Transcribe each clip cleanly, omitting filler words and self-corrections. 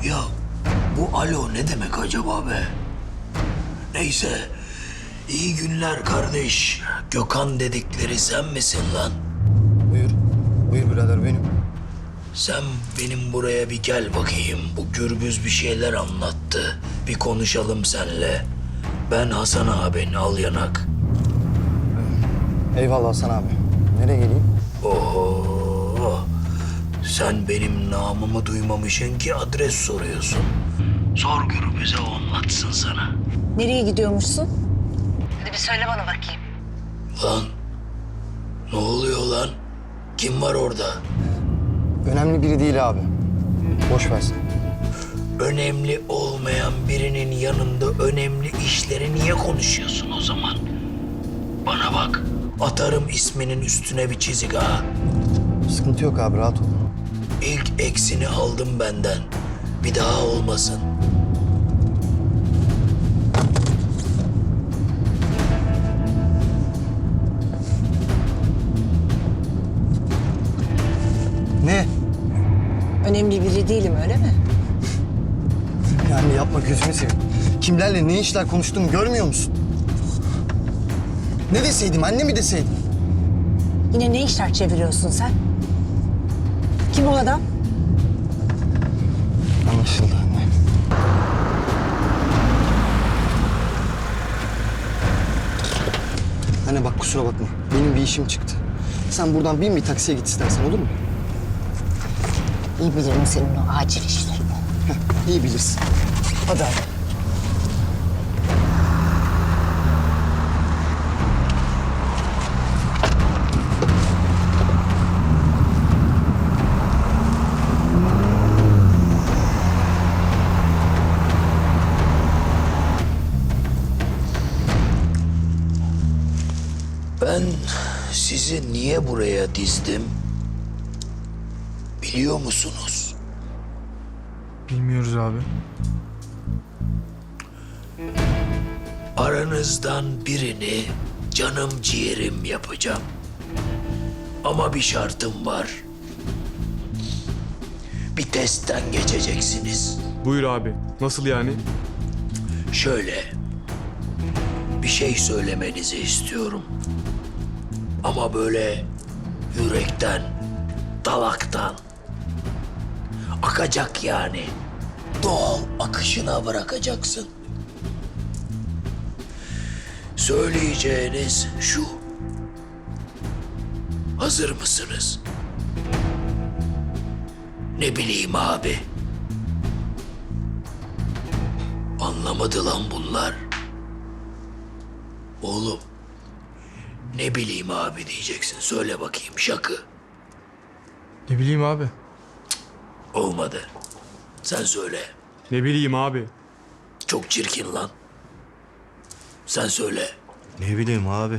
Ya bu alo ne demek acaba be? Neyse. İyi günler kardeş. Gökhan dedikleri sen misin lan? Buyur. Buyur birader benim. Sen benim buraya bir gel bakayım. Bu Gürbüz bir şeyler anlattı. Bir konuşalım seninle. Ben Hasan abin, al yanak. Eyvallah Hasan abi. Nereye geleyim? Oho. Sen benim namımı duymamışsın ki adres soruyorsun. Sor Gürbüz'e, o anlatsın sana. Nereye gidiyormuşsun? Hadi bir söyle bana bakayım. Lan ne oluyor lan? Kim var orada? Önemli biri değil abi. Boş versin. Önemli olmayan birinin yanında önemli işleri niye konuşuyorsun o zaman? Bana bak, atarım isminin üstüne bir çizik ha. Sıkıntı yok abi, rahat ol. İlk eksini aldım benden. Bir daha olmasın. Ne? Önemli biri değilim, öyle mi? Yani yapma, gözünü seveyim. Kimlerle ne işler konuştuğumu görmüyor musun? Ne deseydim, anne mi deseydim? Yine ne işler çeviriyorsun sen? Kim o adam? Anlaşıldı anne. Anne bak, kusura bakma. Benim bir işim çıktı. Sen buradan bin bir taksiye git istersen, olur mu? İyi bilirim senin o acil işlerini. Heh, iyi bilirsin. Hadi abi. Ben sizi niye buraya dizdim? Biliyor musunuz? Bilmiyoruz abi. Aranızdan birini canım ciğerim yapacağım. Ama bir şartım var. Bir testten geçeceksiniz. Buyur abi. Nasıl yani? Şöyle, bir şey söylemenizi istiyorum. Ama böyle yürekten, dalaktan. Akacak yani. Doğal akışına bırakacaksın. Söyleyeceğiniz şu. Hazır mısınız? Ne bileyim abi. Anlamadı lan bunlar. Oğlum. Ne bileyim abi diyeceksin. Söyle bakayım, şakı. Ne bileyim abi. Olmadı. Sen söyle. Ne bileyim abi. Çok çirkin lan. Sen söyle. Ne bileyim abi.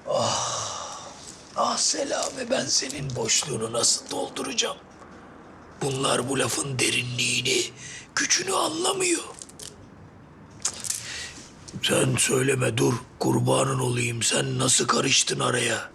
Ah Selami, ben senin boşluğunu nasıl dolduracağım? Bunlar bu lafın derinliğini, gücünü anlamıyor. Sen söyleme, dur. Kurbanın olayım. Sen nasıl karıştın araya?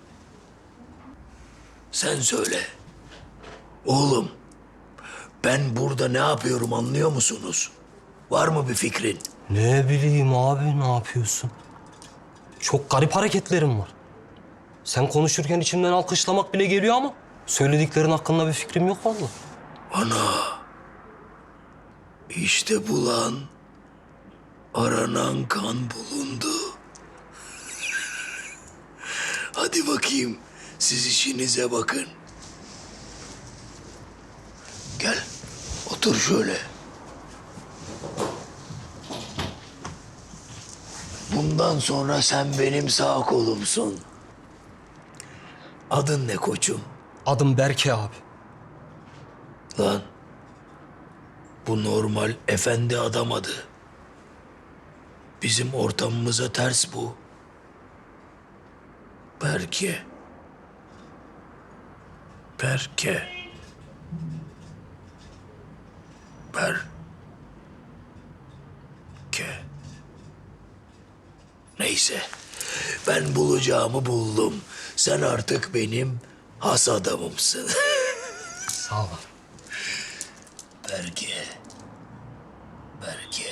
Sen söyle. Oğlum, ben burada ne yapıyorum anlıyor musunuz? Var mı bir fikrin? Ne bileyim abi, ne yapıyorsun? Çok garip hareketlerim var. Sen konuşurken içimden alkışlamak bile geliyor ama söylediklerin hakkında bir fikrim yok vallahi. Ana. İşte bulan, aranan kan bulundu. Hadi bakayım, siz işinize bakın. Gel, otur şöyle. Bundan sonra sen benim sağ kolumsun. Adın ne koçum? Adım Berke abi. Lan, bu normal efendi adam adı. Bizim ortamımıza ters bu. Berke. Berke. Berke. Neyse. Ben bulacağımı buldum. Sen artık benim has adamımsın. Sağ ol. Berke. Belki